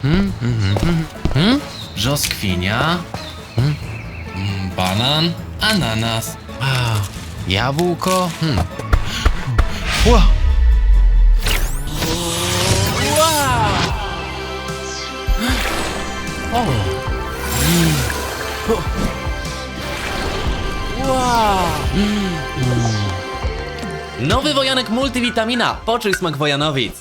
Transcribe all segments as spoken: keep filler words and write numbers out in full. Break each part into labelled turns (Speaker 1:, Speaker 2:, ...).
Speaker 1: Hmm, hmm, hmm, hmm. Brzoskwinia. Hmm. Hmm, banan. Ananas. A, jabłko. Hmm. Ła. O. Mm. O. Wow. Mm. Nowy wojanek multivitamina. Poczuj smak wojanowic.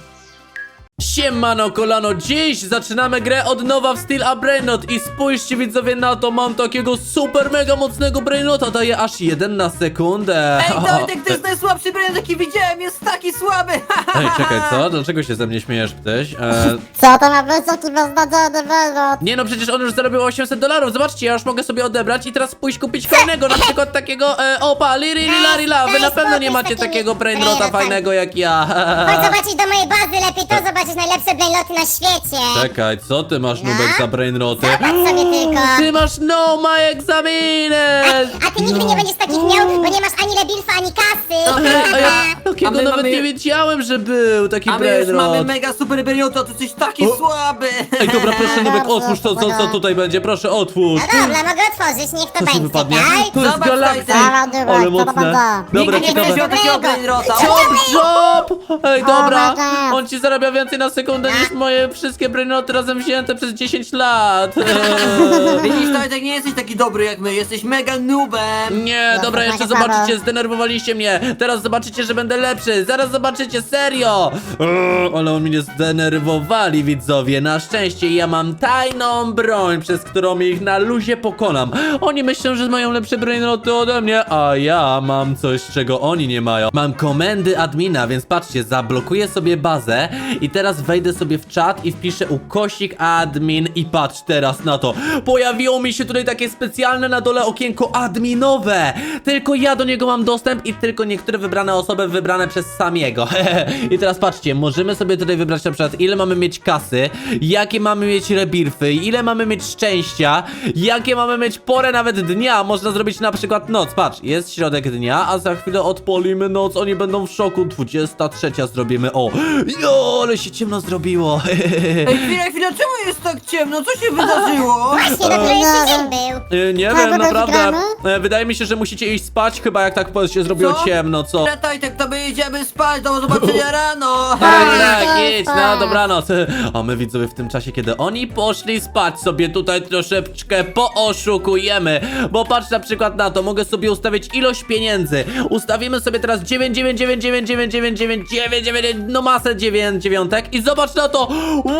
Speaker 1: Siemano kolano, dziś zaczynamy grę od nowa w styl a Brainrot i spójrzcie widzowie na to, mam takiego super mega mocnego Brainrota, daje aż jeden na sekundę.
Speaker 2: Ej, Tojtek, to jest najsłabszy Brainrot, jaki widziałem, jest taki słaby!
Speaker 1: Ej, czekaj, co? Dlaczego się ze mnie śmiejesz, ptyś? E...
Speaker 3: Co to ma być taki beznadziejny Brainrot?
Speaker 1: Nie no, przecież on już zarobił osiemset dolarów, zobaczcie, ja już mogę sobie odebrać i teraz pójść kupić kolejnego, na przykład takiego, e, opa, liri, lila, lila, wy na pewno nie macie takiego Brainrota fajnego jak ja.
Speaker 3: Chodź zobaczyć do mojej bazy, lepiej to zobaczysz najlepsze Brainroty na świecie.
Speaker 1: Czekaj, co ty masz, Nubek, za Brainroty?
Speaker 3: Zobacz sobie tylko.
Speaker 1: Ty masz no my examines!
Speaker 3: A ty nigdy nie będziesz takich miał, bo nie masz ani Lebilfa, ani kasy.
Speaker 1: Ej, a ja takiego
Speaker 2: A my
Speaker 1: nawet
Speaker 2: mamy-
Speaker 1: nie wiedziałem, że był taki
Speaker 2: A my już mamy
Speaker 1: Brainrot.
Speaker 2: mega super Brainrota, to jesteś taki
Speaker 1: O.
Speaker 2: słaby!
Speaker 1: Ej, dobra, proszę Nubek,
Speaker 3: Dobrze,
Speaker 1: otwórz to, co, co
Speaker 3: dobra.
Speaker 1: tutaj będzie, proszę, otwórz.
Speaker 3: No dobra, mogę otworzyć, niech to
Speaker 1: Co się
Speaker 3: będzie,
Speaker 1: wypadnie?
Speaker 3: tak?
Speaker 1: To jest
Speaker 2: Zobacz,
Speaker 1: galaktyk,
Speaker 3: Dobra, dobra,
Speaker 1: ale
Speaker 3: co to
Speaker 1: mocne.
Speaker 3: będzie?
Speaker 1: Dobra,
Speaker 2: Nigdy nie
Speaker 1: ciekawe.
Speaker 2: będziesz miał takiego Brainrota!
Speaker 1: Job, job! Ej, dobra,
Speaker 3: my God.
Speaker 1: on ci zarabia więcej na sekundę niż moje wszystkie brainoty razem wzięte przez dziesięć lat. Eee.
Speaker 2: Widzisz, Tojtek, nie jesteś taki dobry jak my, jesteś mega noobem!
Speaker 1: Nie,
Speaker 3: No,
Speaker 1: dobra,
Speaker 3: to
Speaker 1: jeszcze
Speaker 3: taka
Speaker 1: zobaczycie,
Speaker 3: sprawa.
Speaker 1: zdenerwowaliście mnie. Teraz zobaczycie, że będę lepszy. Zaraz zobaczycie, serio. Eee, ale on mnie zdenerwowali, widzowie. Na szczęście ja mam tajną broń, przez którą ich na luzie pokonam. Oni myślą, że mają lepsze brainroty ode mnie, a ja mam coś, czego oni nie mają. Mam komendy admina, więc patrzcie, zablokuję sobie bazę i teraz wejdę sobie w czat i wpiszę ukośnik admin i patrz teraz na to. Pojawiło mi się tutaj takie specjalne na dole okienko adminowe. Tylko ja do niego mam dostęp i tylko niektóre wybrane osoby wybrane przez samiego. I teraz patrzcie, możemy sobie tutaj wybrać na przykład ile mamy mieć kasy, jakie mamy mieć rebirfy, ile mamy mieć szczęścia, jakie mamy mieć porę nawet dnia. Można zrobić na przykład noc. Patrz, jest środek dnia, a za chwilę odpolimy noc. Oni będą w szoku. dwudziesta trzecia zrobimy. O, jo, ale się ciemno zrobiło.
Speaker 2: Ej, chwila, chwila, czemu jest tak ciemno? Co się wydarzyło?
Speaker 3: Właśnie, dopiero jeszcze dzień był.
Speaker 1: E, Nie
Speaker 3: Co,
Speaker 1: wiem,
Speaker 3: bo
Speaker 1: naprawdę.
Speaker 3: gramy?
Speaker 1: E, Wydaje mi się, że musicie iść spać, chyba jak tak się zrobiło
Speaker 2: Co?
Speaker 1: ciemno, co?
Speaker 2: Dobra, Tojtek, to my idziemy spać, do zobaczenia rano!
Speaker 1: Tak,
Speaker 3: tak,
Speaker 1: tak, idź,
Speaker 3: tak.
Speaker 1: na dobranoc. A my widzowie w tym czasie, kiedy oni poszli spać, sobie tutaj troszeczkę pooszukujemy. Bo patrz na przykład na to, mogę sobie ustawić ilość pieniędzy. Ustawimy sobie teraz dziewięć dziewięć dziewięć dziewięć dziewięć dziewięć dziewięć dziewięć dziewięć, no masę dziewięć dziewiątek i zobacz na to.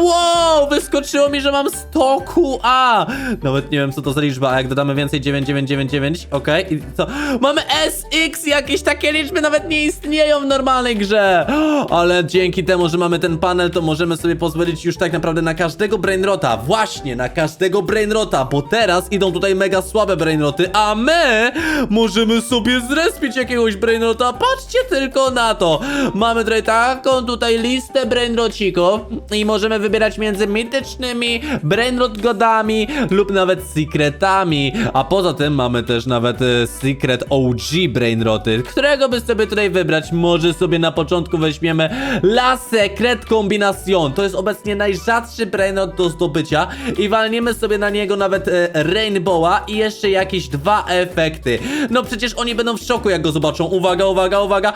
Speaker 1: Wow, wyskoczyło mi, że mam sto Q A. Nawet nie wiem, co to za liczba, a jak dodamy więcej dziewięć dziewięć dziewięć dziewięć, okej, i co? Mamy S X, jakieś takie liczby nawet nie istnieją w normalnej grze. Ale dzięki temu, że mamy ten panel, to możemy sobie pozwolić już tak naprawdę na każdego brainrota. Właśnie, na każdego brainrota, bo teraz idą tutaj mega słabe brainroty, a my możemy sobie zrespić jakiegoś brainrota. Patrzcie tylko na to. Mamy tutaj taką tutaj listę brainrocików i możemy wybierać między mitycznymi brainrot godami lub nawet secretami. A poza tym mamy też nawet e, secret O G brainroty, którego by sobie tutaj wybrać. Może sobie na początku weźmiemy La Secret Combination. To jest obecnie najrzadszy brainrot do zdobycia i walniemy sobie na niego nawet e, Rainbowa i jeszcze jakieś dwa efekty. No przecież oni będą w szoku, jak go zobaczą. Uwaga, uwaga, uwaga.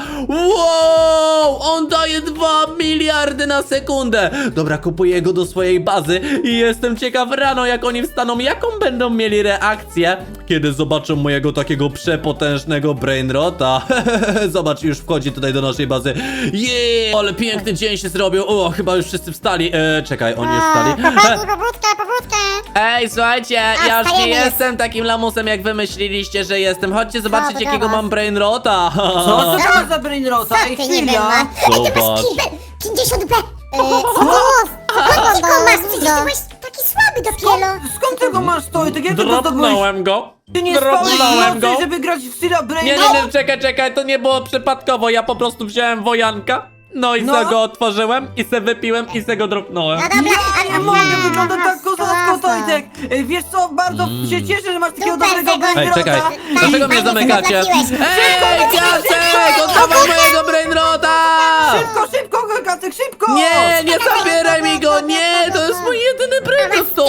Speaker 1: Wow! On daje dwa miliardy na sekundę. Dobra, kupuję go do swojej bazy i jestem ciekaw rano, jak oni wstaną, jaką będą mieli reakcję, kiedy zobaczą mojego takiego przepotężnego brainrota. Zobacz, już wchodzi tutaj do naszej bazy. Jeee, ale piękny dzień się zrobił. O, chyba już wszyscy wstali. E, czekaj, oni już wstali.
Speaker 3: Chłopaki, pobudkę, pobudkę.
Speaker 1: Ej, słuchajcie, ja już nie
Speaker 3: wstajemy.
Speaker 1: jestem takim lamusem, jak wy myśleliście, że jestem. Chodźcie zobaczyć,
Speaker 3: to
Speaker 1: jakiego
Speaker 3: gadasz?
Speaker 1: mam brainrota.
Speaker 2: Co to masz za Brainrota?
Speaker 3: Co
Speaker 2: Ej,
Speaker 3: ty nie
Speaker 2: chwila!
Speaker 3: ma? Ej, ty
Speaker 1: Zobacz.
Speaker 3: masz kilbe, pięćdziesiąt B. Skąd ty go masz? Przecież ty byłeś taki słaby dopiero.
Speaker 2: Skąd ty go masz, Tojtek? Jak ty to zdobyłeś?
Speaker 1: Dropnąłem go.
Speaker 2: Ty nie spałeś
Speaker 1: Dropnąłem go.
Speaker 2: nocy, żeby grać w Styla
Speaker 1: Nie,
Speaker 2: Brainrot?
Speaker 1: nie, nie, czekaj, czekaj, to nie było przypadkowo. Ja po prostu wziąłem wojanka. No i
Speaker 2: No.
Speaker 1: se go otworzyłem i se wypiłem i se go dropnąłem.
Speaker 3: No dobra,
Speaker 2: Ja nie mogę, wygląda tak kozacko, Tojtek! Ej, wiesz co, bardzo się cieszę, że masz takiego
Speaker 3: Super,
Speaker 2: dobrego
Speaker 3: tego-
Speaker 1: Ej,
Speaker 2: Brainrota!
Speaker 1: czekaj,
Speaker 3: Tak,
Speaker 1: dlaczego mnie
Speaker 3: fajnie
Speaker 1: zamykacie?
Speaker 3: sobie trafiłeś.
Speaker 1: Ej, Piasek, oddawaj mojego brainrota!
Speaker 2: Szybko, szybko, Gagatek, szybko!
Speaker 1: Nie, nie zabieraj mi go, nie, to jest mój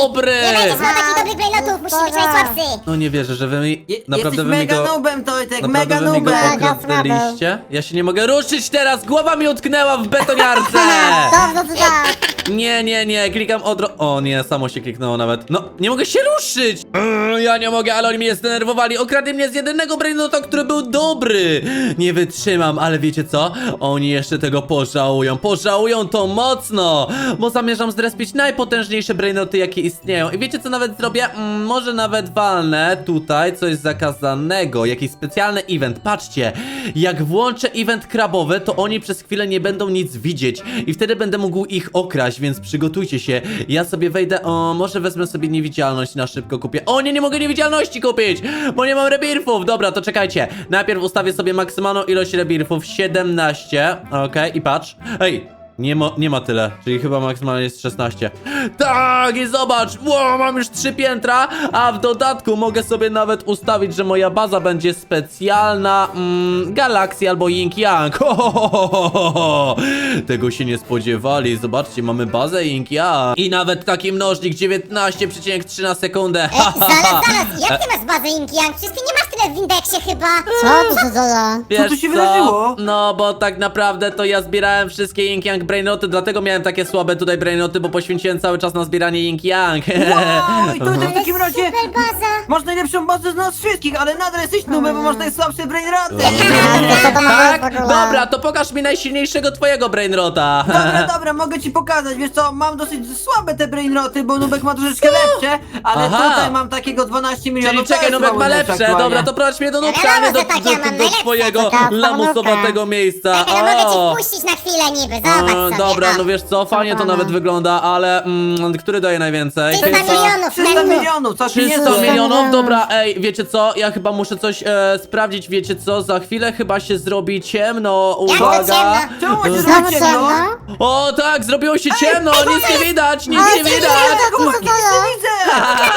Speaker 1: dobry!
Speaker 3: Nie będziesz miał takich dobrych brainotów, musisz być najsłabszy.
Speaker 1: No nie wierzę, że wy mi...
Speaker 2: Je,
Speaker 1: Naprawdę
Speaker 2: jesteś
Speaker 1: wy mi
Speaker 2: mega
Speaker 1: go...
Speaker 2: noobem, Tojtek,
Speaker 1: Naprawdę
Speaker 2: mega
Speaker 1: wy mi go
Speaker 2: noobem.
Speaker 3: Mega
Speaker 1: okradliście? Ja się nie mogę ruszyć teraz! Głowa mi utknęła w betoniarce!
Speaker 3: Dobrze, to tak.
Speaker 1: Nie, nie, nie, klikam odro... O nie, samo się kliknęło nawet. No, nie mogę się ruszyć! Mm, ja nie mogę, ale oni mnie zdenerwowali. Okradli mnie z jedynego brainota, który był dobry. Nie wytrzymam, ale wiecie co? Oni jeszcze tego pożałują. Pożałują to mocno, bo zamierzam zrespić najpotężniejsze brainoty, jakie istnieją. I wiecie co nawet zrobię? Mm, może nawet walnę tutaj coś zakazanego. Jakiś specjalny event. Patrzcie, jak włączę event krabowy, to oni przez chwilę nie będą nic widzieć. I wtedy będę mógł ich okraść, więc przygotujcie się. Ja sobie wejdę, o, może wezmę sobie niewidzialność na szybko kupię. O nie, nie mogę niewidzialności kupić, bo nie mam rebirfów. Dobra, to czekajcie. Najpierw ustawię sobie maksymalną ilość rebirfów, siedemnaście. Okej, i patrz. Ej. Nie ma, nie ma tyle, czyli chyba maksymalnie jest szesnaście. Tak, i zobacz, wow, mam już trzy piętra, a w dodatku mogę sobie nawet ustawić, że moja baza będzie specjalna mm, Galaxy albo Yin Yang. Ho, ho, ho, ho, ho, ho. Tego się nie spodziewali, zobaczcie, mamy bazę Yin Yang. I nawet taki mnożnik dziewiętnaście przecinek trzy na sekundę.
Speaker 3: E, zaraz, zaraz, jak ty masz bazę Yin Yang? Przecież ty nie masz tyle w indeksie chyba.
Speaker 4: Co tu się dzieje?
Speaker 1: Wiesz
Speaker 2: Co tu się wydarzyło?
Speaker 1: No, bo tak naprawdę to ja zbierałem wszystkie Yin Yang brainoty, dlatego miałem takie słabe tutaj brainoty, bo poświęciłem cały czas na zbieranie Yin Yang.
Speaker 2: Wow, i Tojtek w takim razie
Speaker 3: Super baza.
Speaker 2: masz najlepszą bazę z nas wszystkich, ale nadal jesteś nubem, bo masz najsłabsze brainroty.
Speaker 4: Co to ma być
Speaker 1: Tak?
Speaker 4: w ogóle?
Speaker 1: Dobra, to pokaż mi najsilniejszego twojego brainrota.
Speaker 2: Dobra, dobra, mogę ci pokazać, wiesz co, mam dosyć słabe te brainroty, bo Nubek ma troszeczkę lepsze, ale
Speaker 1: Aha.
Speaker 2: tutaj mam takiego dwanaście milionów.
Speaker 1: Czyli
Speaker 2: to
Speaker 1: czekaj,
Speaker 2: jest
Speaker 1: Nubek ma
Speaker 2: mało
Speaker 1: lepsze.
Speaker 2: aktualnie.
Speaker 1: Dobra, to prowadź mnie do Nubka,
Speaker 3: Ale
Speaker 1: a nie do,
Speaker 3: może tak,
Speaker 1: do,
Speaker 3: ja mam
Speaker 1: do, do
Speaker 3: najlepsze.
Speaker 1: twojego
Speaker 4: Taka
Speaker 1: lamusowatego miejsca.
Speaker 3: Czekaj, no mogę
Speaker 1: O.
Speaker 3: cię wpuścić na chwilę niby, zobacz
Speaker 1: E,
Speaker 3: sobie.
Speaker 1: Dobra,
Speaker 3: o.
Speaker 1: no wiesz co, fajnie to
Speaker 4: Dobra.
Speaker 1: nawet wygląda, ale mm, który daje najwięcej?
Speaker 3: trzysta
Speaker 1: Chyba-
Speaker 3: milionów,
Speaker 2: trzysta
Speaker 3: Mengu.
Speaker 2: milionów, co ci nie
Speaker 1: trzysta
Speaker 2: zdaje?
Speaker 1: milionów? Dobra, ej, wiecie co? Ja chyba muszę coś e, sprawdzić, wiecie co? Za chwilę chyba się zrobi ciemno,
Speaker 3: Jak to
Speaker 1: uwaga!
Speaker 3: ciemno?
Speaker 2: Czemu macie
Speaker 4: Znowu
Speaker 2: zrobić ciemno?
Speaker 4: ciemno?
Speaker 1: O tak, zrobiło się ciemno, nic nie widać, nic
Speaker 4: Ale
Speaker 1: nie
Speaker 4: co się
Speaker 1: widać!
Speaker 4: dzieje?
Speaker 2: Chłopaki, nic nie widzę!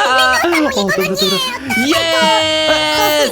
Speaker 1: O, dobra, dobra. Jest!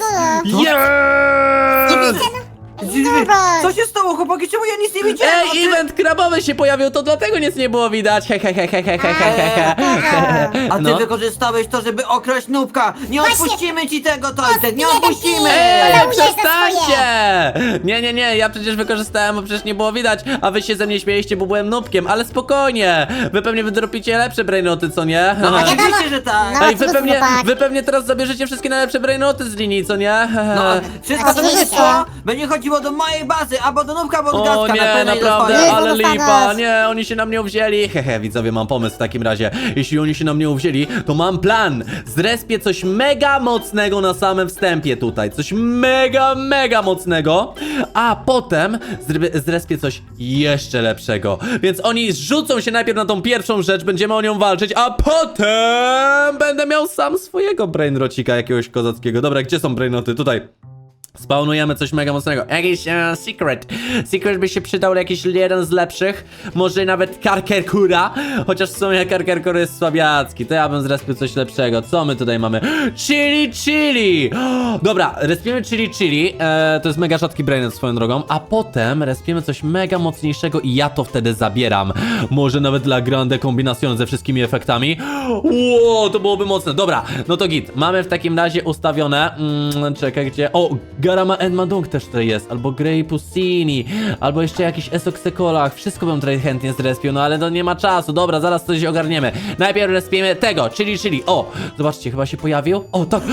Speaker 1: Jest!
Speaker 4: Nubek.
Speaker 2: Co się stało, chłopaki? Czemu ja nic nie widziałem? A ty-
Speaker 1: Ej, event krabowy się pojawił, to dlatego nic nie było widać. He, he, he, he, he, he, he, he, he.
Speaker 2: A ty
Speaker 1: No.
Speaker 2: wykorzystałeś to, żeby okraść Nubka! Nie
Speaker 3: Właśnie.
Speaker 2: odpuścimy ci tego, Tojtek, nie
Speaker 3: Jeden
Speaker 2: odpuścimy!
Speaker 3: film.
Speaker 1: Ej,
Speaker 3: Żałujesz za
Speaker 1: przestańcie! Nie, nie, nie, ja przecież wykorzystałem, bo przecież nie było widać, a wy się ze mnie śmieliście, bo byłem nubkiem, ale spokojnie! Wy pewnie wydropicie lepsze brainoty, co nie?
Speaker 2: No
Speaker 3: wiadomo.
Speaker 2: oczywiście, że tak!
Speaker 3: No.
Speaker 1: Ej, wy
Speaker 3: co to
Speaker 1: pewnie,
Speaker 3: chłopak?
Speaker 1: wy pewnie teraz zabierzecie wszystkie najlepsze brainoty z linii, co nie?
Speaker 2: No, wszystko to będzie
Speaker 3: Oczywiście.
Speaker 2: szło, będzie chodziło do mojej bazy, albo do Nubka, albo do
Speaker 1: O
Speaker 2: Gacka, na
Speaker 1: nie,
Speaker 2: pewno je
Speaker 1: naprawdę,
Speaker 2: dostanie.
Speaker 4: Nie,
Speaker 1: ale
Speaker 4: to
Speaker 1: lipa,
Speaker 4: dostaniesz.
Speaker 1: nie, oni się na mnie uwzięli. Hehe, widzowie, mam pomysł w takim razie. Jeśli oni się na mnie uwzięli, to mam plan. Zrespię coś mega mocnego na samym wstępie tutaj. Coś mega, mega mocnego. A potem zre- zrespię coś jeszcze lepszego. Więc oni zrzucą się najpierw na tą pierwszą rzecz, będziemy o nią walczyć, a potem będę miał sam swojego brainrocika jakiegoś kozackiego. Dobra, gdzie są brainoty? Tutaj. Spawnujemy coś mega mocnego. Jakiś e, secret. Secret by się przydał jakiś jeden z lepszych. Może nawet Karkerkura. Chociaż w sumie Karkerkur jest słabiacki. To ja bym zrespił coś lepszego. Co my tutaj mamy? Chili Chili! Dobra, respimy Chili Chili. E, to jest mega rzadki brainet swoją drogą. A potem respimy coś mega mocniejszego i ja to wtedy zabieram. Może nawet dla grande kombinacjon ze wszystkimi efektami. Ło, to byłoby mocne. Dobra, no to git. Mamy w takim razie ustawione. Mm, czekaj, gdzie? O, Garama Enmadung też tutaj jest, albo Grey Puccini, albo jeszcze jakiś Esoksekolach. Wszystko bym tutaj chętnie zrespił, no ale to nie ma czasu. Dobra, zaraz coś ogarniemy. Najpierw respimy tego, Chili Chili. O, zobaczcie, chyba się pojawił. O, tak.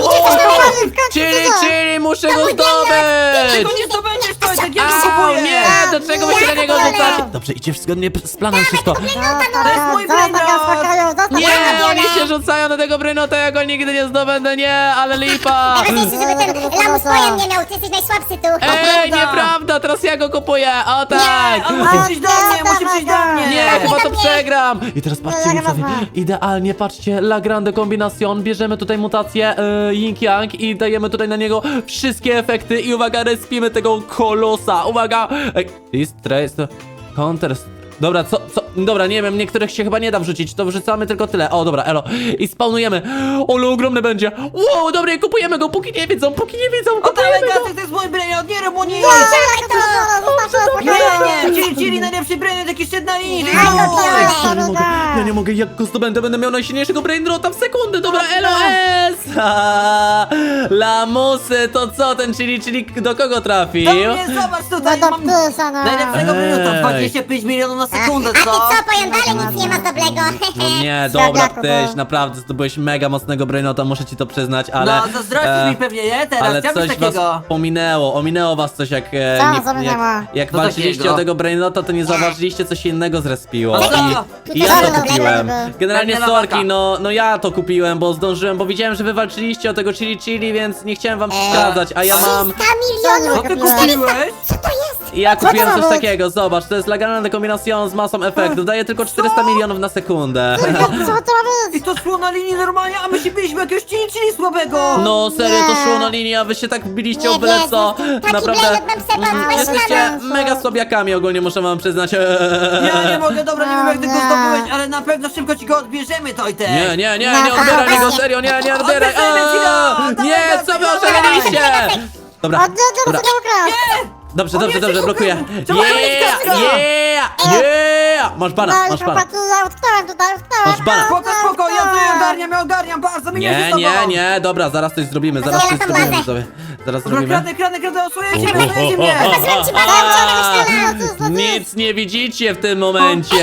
Speaker 1: Chili Chili, muszę go
Speaker 2: Tego
Speaker 1: zdobyć!
Speaker 2: nie zdobędziesz, Tojtek, ja
Speaker 1: A,
Speaker 2: to kupuję!
Speaker 1: nie, do czego wy się na niego rzucacie? Dobrze, idzie zgodnie z planem wszystko.
Speaker 2: To jest mój
Speaker 4: Zostaw
Speaker 2: brainrot.
Speaker 4: go w spokoju, zostaw
Speaker 1: Nie,
Speaker 4: go.
Speaker 1: oni się rzucają na tego brynota, ja go nigdy nie zdobędę, nie, ale lipa!
Speaker 3: Najważniejsze, żeby ten lamus pojem nie miał, ty jesteś najsłabszy tu.
Speaker 1: Ej,
Speaker 2: prawda.
Speaker 1: nieprawda, teraz ja go kupuję, o tak!
Speaker 2: On musi przyjść do mnie, musi przyjść do mnie!
Speaker 1: Nie, chyba to przegram! I teraz patrzcie,
Speaker 4: Nie,
Speaker 1: widzowie,
Speaker 4: nie, nie.
Speaker 1: idealnie, patrzcie, La Grande Combinación, bierzemy tutaj mutację y, Yin Yang i dajemy tutaj na niego wszystkie efekty i uwaga, respimy tego kolosa, uwaga! Ej, East Trace, Counter... Dobra, co, co? Dobra, nie wiem, niektórych się chyba nie da wrzucić, to wrzucamy tylko tyle. O, dobra, elo. I spawnujemy. Ole, ogromny będzie. Wow, dobra, kupujemy go, póki nie wiedzą, póki nie wiedzą,
Speaker 2: Oddawaj
Speaker 1: kupujemy go.
Speaker 2: kasę, to jest mój brainrot, nie rób mu nic!
Speaker 3: Dawaj to!
Speaker 2: Nie, nie, Chili, Chili, najlepszy brainrot, jaki szedł na linii, to jest
Speaker 3: Daj go,
Speaker 2: mój!
Speaker 1: Ja nie mogę, ja nie mogę, jak go zdobędę, będę miał najsilniejszego brainrota w sekundę, dobra, elo, S! Ha, lamusy, to co, ten Chili, Chili do kogo trafił?
Speaker 2: Do mnie, zobacz
Speaker 4: No
Speaker 2: tutaj,
Speaker 4: do
Speaker 2: mam
Speaker 4: ptysa, no.
Speaker 2: najlepszego brainrota,
Speaker 1: Ej.
Speaker 2: dwadzieścia pięć milionów na sekundę,
Speaker 3: A ty
Speaker 2: co?
Speaker 3: co, powiem dalej, nic nie ma dobrego.
Speaker 1: No nie, dobra,
Speaker 4: Słabiaku,
Speaker 1: tyś,
Speaker 4: no.
Speaker 1: naprawdę zdobyłeś mega mocnego brainota, muszę ci to przyznać, ale...
Speaker 2: No, zazdrościsz
Speaker 1: e,
Speaker 2: mi pewnie, nie? Teraz,
Speaker 1: Ale
Speaker 2: chciałbyś
Speaker 1: coś
Speaker 2: takiego.
Speaker 1: was ominęło, ominęło was coś jak... E,
Speaker 4: Co
Speaker 1: nie,
Speaker 4: ominęło?
Speaker 1: jak, jak
Speaker 2: Co
Speaker 1: walczyliście
Speaker 2: takiego?
Speaker 1: o tego brainota, to nie zauważyliście, co się innego zrespiło.
Speaker 2: No co?
Speaker 1: I, I ja
Speaker 4: Co
Speaker 1: to
Speaker 4: to
Speaker 1: kupiłem.
Speaker 4: takiego?
Speaker 1: Generalnie
Speaker 2: Pewnie
Speaker 1: sorki,
Speaker 2: lawaka.
Speaker 1: no, no ja to kupiłem, bo zdążyłem, bo widziałem, że wy walczyliście o tego chili chili, więc nie chciałem wam
Speaker 3: Eee,
Speaker 1: przeszkadzać, a ja mam...
Speaker 3: trzysta milionów!
Speaker 2: Co ty kupiłeś?
Speaker 3: Co to jest?
Speaker 1: I ja kupiłem
Speaker 4: to
Speaker 1: coś
Speaker 4: ma być?
Speaker 1: takiego, zobacz, to jest legalna kombinacja z masą efektów, daje tylko czterysta milionów na sekundę.
Speaker 4: Co to ma
Speaker 2: I
Speaker 4: być?
Speaker 2: to szło na linii normalnie, a my się biliśmy jakiegoś Chili, Chili słabego!
Speaker 1: No serio, to
Speaker 4: Nie.
Speaker 1: szło na linię, a wy się tak biliście o
Speaker 3: Nie
Speaker 1: byle
Speaker 3: wierzę,
Speaker 1: co.
Speaker 3: taki
Speaker 1: Naprawdę,
Speaker 3: brainrot nam Seba
Speaker 1: mm,
Speaker 3: weź na
Speaker 1: jesteście
Speaker 4: nas.
Speaker 1: mega słabiakami ogólnie, muszę wam przyznać.
Speaker 2: Ja nie mogę, dobra, nie wiem jak ty go
Speaker 4: Nie.
Speaker 2: zdobyłeś, ale na pewno szybko ci go odbierzemy, Tojtek!
Speaker 1: Nie, nie, nie, nie
Speaker 3: No,
Speaker 1: odbieraj mi go,
Speaker 3: właśnie.
Speaker 1: serio, nie, nie odbieraj.
Speaker 2: Odbierzemy ci go!
Speaker 1: Aaa,
Speaker 2: Dawaj,
Speaker 1: Nie,
Speaker 2: dawaj,
Speaker 1: co wy
Speaker 2: dawaj.
Speaker 1: oszaleliście? Dobra,
Speaker 4: O, nie, nie,
Speaker 1: dobra.
Speaker 4: nie, nie,
Speaker 2: Nie!
Speaker 1: Dobrze,
Speaker 2: O
Speaker 1: dobrze,
Speaker 2: nie,
Speaker 1: dobrze,
Speaker 2: szybko,
Speaker 1: blokuję.
Speaker 2: trzeba robić
Speaker 1: Yeah,
Speaker 2: kasę.
Speaker 1: yeah, yeah! Masz bana,
Speaker 4: No i
Speaker 1: masz bana.
Speaker 4: chłopaki, ja utknąłem tutaj, utknąłem.
Speaker 1: Masz bana.
Speaker 2: Spoko, spoko, ja tutaj ogarniam, ja ogarniam, bardzo mi
Speaker 1: Nie,
Speaker 2: z tobą!
Speaker 1: nie, nie, dobra, zaraz coś zrobimy, zaraz
Speaker 3: ja
Speaker 1: coś
Speaker 3: tam
Speaker 1: zrobimy
Speaker 3: bazę.
Speaker 1: sobie. Zaraz
Speaker 2: Dobra,
Speaker 1: zrobimy.
Speaker 2: kradę, kradę, kradę, osłonięcie mnie, osłonięcie mnie!
Speaker 3: Zrobię ci bazę,
Speaker 1: A, Nic nie widzicie w tym momencie.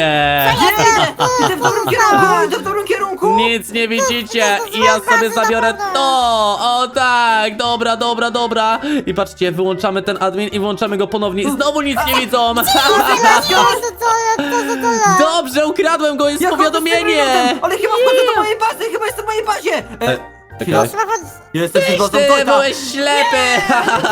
Speaker 2: Nie! Idę w dobrym kierunku, idę w dobrym kierunku!
Speaker 1: Nic nie widzicie i ja sobie zabiorę to! O tak, dobra, dobra, dobra. I patrzcie, wyłączamy ten admin i włączamy go ponownie i znowu nic nie widzą.
Speaker 4: Co to jest, co to jest?
Speaker 1: Dobrze, ukradłem go, jest
Speaker 2: Ja chodzę z tym
Speaker 1: powiadomienie.
Speaker 2: brainotem, ale chyba wchodzę do mojej bazy, chyba jestem w mojej bazie! E,
Speaker 1: E,
Speaker 2: chwila.
Speaker 1: czekaj.
Speaker 2: Jestem przed bazą
Speaker 1: Ty
Speaker 2: Tojta!
Speaker 1: byłeś ślepy!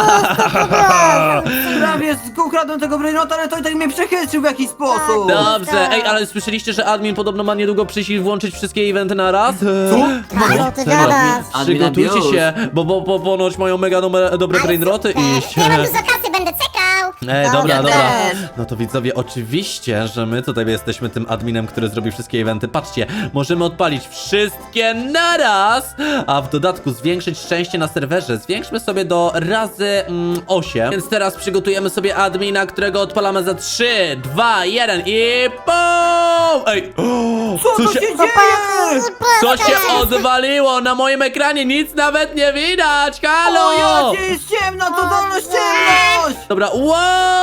Speaker 2: Prawie z- ukradłem tego brainota, ale Tojtek mnie przechytrzył w jakiś sposób!
Speaker 1: Dobrze, ej, ale słyszeliście, że admin podobno ma niedługo przyjść i włączyć wszystkie eventy na raz?
Speaker 4: Co ty
Speaker 1: Serio?
Speaker 4: gadasz?
Speaker 2: Admin
Speaker 1: Przygotujcie
Speaker 2: abuse.
Speaker 1: się, bo, bo, bo ponoć mają mega numer, dobre brainroty iść.
Speaker 3: Ja mam dużo kasy, będę czekał!
Speaker 1: Ej, dobra,
Speaker 2: Ja
Speaker 1: dobra.
Speaker 2: też.
Speaker 1: No to widzowie, oczywiście, że my tutaj jesteśmy tym adminem, który zrobi wszystkie eventy. Patrzcie, możemy odpalić wszystkie naraz, a w dodatku zwiększyć szczęście na serwerze. Zwiększmy sobie do razy mm, osiem. Więc teraz przygotujemy sobie admina, którego odpalamy za trzy, dwa, jeden i BOOM! Ej, o,
Speaker 2: Co to się dzieje?
Speaker 1: co się odwaliło na moim ekranie? Nic nawet nie widać! Halo!
Speaker 2: O, ja cię jest ciemno, to dolność ciemność!
Speaker 1: Dobra, wow!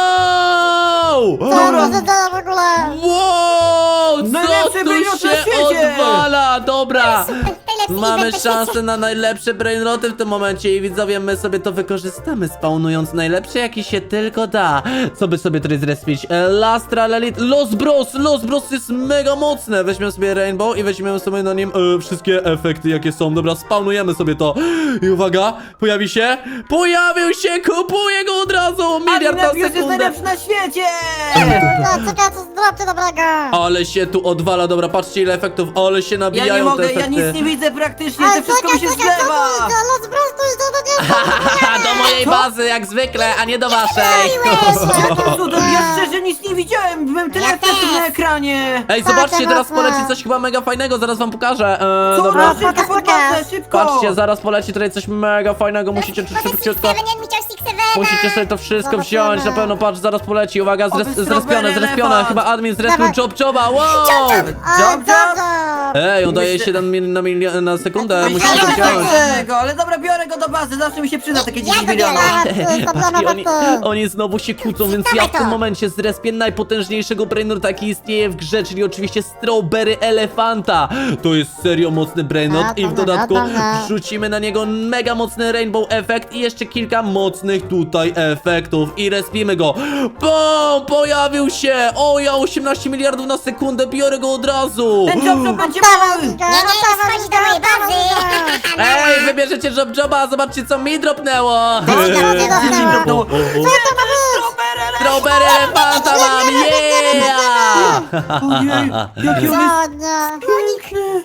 Speaker 4: Co to się dzieje w ogóle?
Speaker 1: Wow! Co
Speaker 2: Najlepszy
Speaker 1: tu
Speaker 2: brainrot na
Speaker 1: się
Speaker 2: świecie!
Speaker 1: odwala? Dobra!
Speaker 3: Najlepszy
Speaker 1: Mamy
Speaker 3: event na świecie.
Speaker 1: szansę na najlepsze brainroty w tym momencie i widzowie, my sobie to wykorzystamy, spawnując najlepsze jaki się tylko da. Co by sobie tutaj zrespić? E, Lastra, Lelit, Los Bros! Los Bros jest mega mocne! Weźmiemy sobie Rainbow i weźmiemy sobie na nim e, wszystkie efekty jakie są. Dobra, spawnujemy sobie to. I uwaga, pojawi się? Pojawił się! Kupuję go od razu! Miliard na
Speaker 2: Admin jest
Speaker 1: sekundę!
Speaker 2: najlepszy na świecie!
Speaker 4: No, czekaj, co zdrabcie dobrego.
Speaker 1: Ale się tu odwala, dobra, patrzcie ile efektów, ale się nabijają
Speaker 2: Ja nie mogę,
Speaker 1: te
Speaker 2: ja
Speaker 1: efekty.
Speaker 2: nic nie widzę praktycznie,
Speaker 4: Ale
Speaker 2: to wszystko mi się
Speaker 4: czekaj, czekaj, co
Speaker 2: zlewa!
Speaker 4: to jest? Los Bros, to jest to nie
Speaker 1: do mojej bazy, jak zwykle, a nie do waszej.
Speaker 2: Jakim cudem? Ja szczerze nic nie widziałem, byłem tyle
Speaker 3: Ja
Speaker 2: efektów
Speaker 3: też.
Speaker 2: na ekranie!
Speaker 1: Ej, zobaczcie,
Speaker 4: Patrzę
Speaker 1: teraz
Speaker 4: mocno.
Speaker 1: poleci coś chyba mega fajnego, zaraz wam pokażę. Eee,
Speaker 2: Co?
Speaker 1: dobra,
Speaker 2: No, szybko
Speaker 4: pokaż,
Speaker 2: pod bazę,
Speaker 4: pokaż.
Speaker 2: szybko!
Speaker 1: patrzcie, zaraz poleci tutaj coś mega fajnego, musicie szybciutko, musicie sobie to wszystko
Speaker 4: Zobaczymy.
Speaker 1: wziąć, na pewno, patrz, zaraz poleci, uwaga, zres,
Speaker 2: Oby
Speaker 1: zrespione,
Speaker 2: strawberry
Speaker 1: zrespione,
Speaker 2: elefant.
Speaker 1: chyba admin zrespił
Speaker 4: Dawaj.
Speaker 1: job joba, wow!
Speaker 2: Job, job!
Speaker 1: Ej, on daje
Speaker 2: Myślę-
Speaker 1: siedem mil na, mil na sekundę,
Speaker 3: Ale
Speaker 1: musicie to
Speaker 3: ja
Speaker 1: wziąć.
Speaker 2: tego, ale dobra, biorę go do bazy, zawsze mi się przyda takie dziesięć
Speaker 3: to
Speaker 2: milionów.
Speaker 3: biorę.
Speaker 1: Patrzcie, oni, oni znowu się kłócą, więc ja w tym
Speaker 3: to.
Speaker 1: momencie zrespię najpotężniejszego brainrota, jaki istnieje w grze, czyli oczywiście Strawberry Elefanta. To jest serio mocny brainrot
Speaker 4: A,
Speaker 1: i w
Speaker 4: dobra,
Speaker 1: dodatku
Speaker 4: dobra.
Speaker 1: wrzucimy na niego mega mocny rainbow efekt i jeszcze kilka mocnych tutaj efektów i respimy go. BOOM! Pojawił się! O, ja osiemnaście miliardów na sekundę, biorę go od razu!
Speaker 2: Ten job job będzie
Speaker 4: Dawaj,
Speaker 2: mój!
Speaker 4: Giga,
Speaker 3: Nie, nie,
Speaker 4: dawaj,
Speaker 3: schodź do mojej
Speaker 4: Giga,
Speaker 3: bazy!
Speaker 4: dawaj.
Speaker 1: Ej, wybierzecie job joba, zobaczcie co mi dropnęło!
Speaker 4: Dropnęło.
Speaker 1: O, o, o.
Speaker 4: Co to ma być?
Speaker 1: Strawberry Elefanta mam, yeah!
Speaker 2: Ojej, jaki on jest
Speaker 4: Co, nie?
Speaker 2: piękny!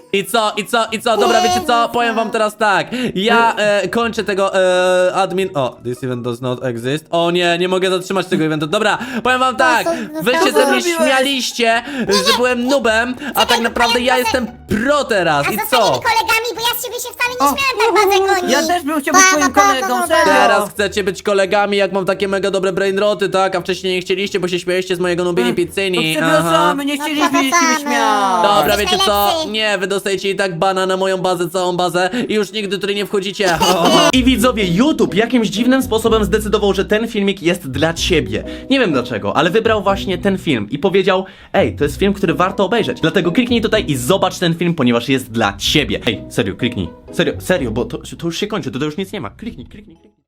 Speaker 1: I co, i co, i co? Dobra, wiecie co? Powiem wam teraz tak. Ja e, kończę tego e, admin... O, this event does not exist. O nie, nie mogę zatrzymać tego eventu. Dobra, powiem wam tak. Wy się ze mnie
Speaker 2: zrobiłeś?
Speaker 1: śmialiście, że byłem nubem, a tak naprawdę ja jestem pro teraz.
Speaker 3: A
Speaker 1: I
Speaker 3: zostaniemy
Speaker 1: co?
Speaker 3: kolegami, bo ja z ciebie się wcale
Speaker 2: O,
Speaker 3: nie śmiałem tak bardzo goni.
Speaker 2: Ja też bym chciał być
Speaker 3: Pa,
Speaker 2: twoim
Speaker 3: pa, pa,
Speaker 2: kolegą,
Speaker 3: pa, pa.
Speaker 2: serio.
Speaker 1: Teraz chcecie być kolegami, jak mam takie mega dobre brainroty, tak? A wcześniej nie chcieliście, bo się śmialiście z mojego nubieni pizzyni.
Speaker 2: To przepraszamy, nie
Speaker 3: No,
Speaker 2: chcieliśmy się
Speaker 3: przepraszamy.
Speaker 2: śmiać.
Speaker 1: Dobra,
Speaker 3: Jesteś
Speaker 1: wiecie co?
Speaker 3: najlepszy.
Speaker 1: Nie, wy dostajecie i tak bana na moją bazę, całą bazę i już nigdy tutaj nie wchodzicie. I widzowie, YouTube jakimś dziwnym sposobem zdecydował, że ten filmik jest dla ciebie. Nie wiem dlaczego, ale wybrał właśnie ten film i powiedział: ej, to jest film, który warto obejrzeć. Dlatego kliknij tutaj i zobacz ten film, ponieważ jest dla ciebie. Ej, serio, kliknij. Serio, serio, bo to, to już się kończy, to, to już nic nie ma. Kliknij, kliknij, kliknij.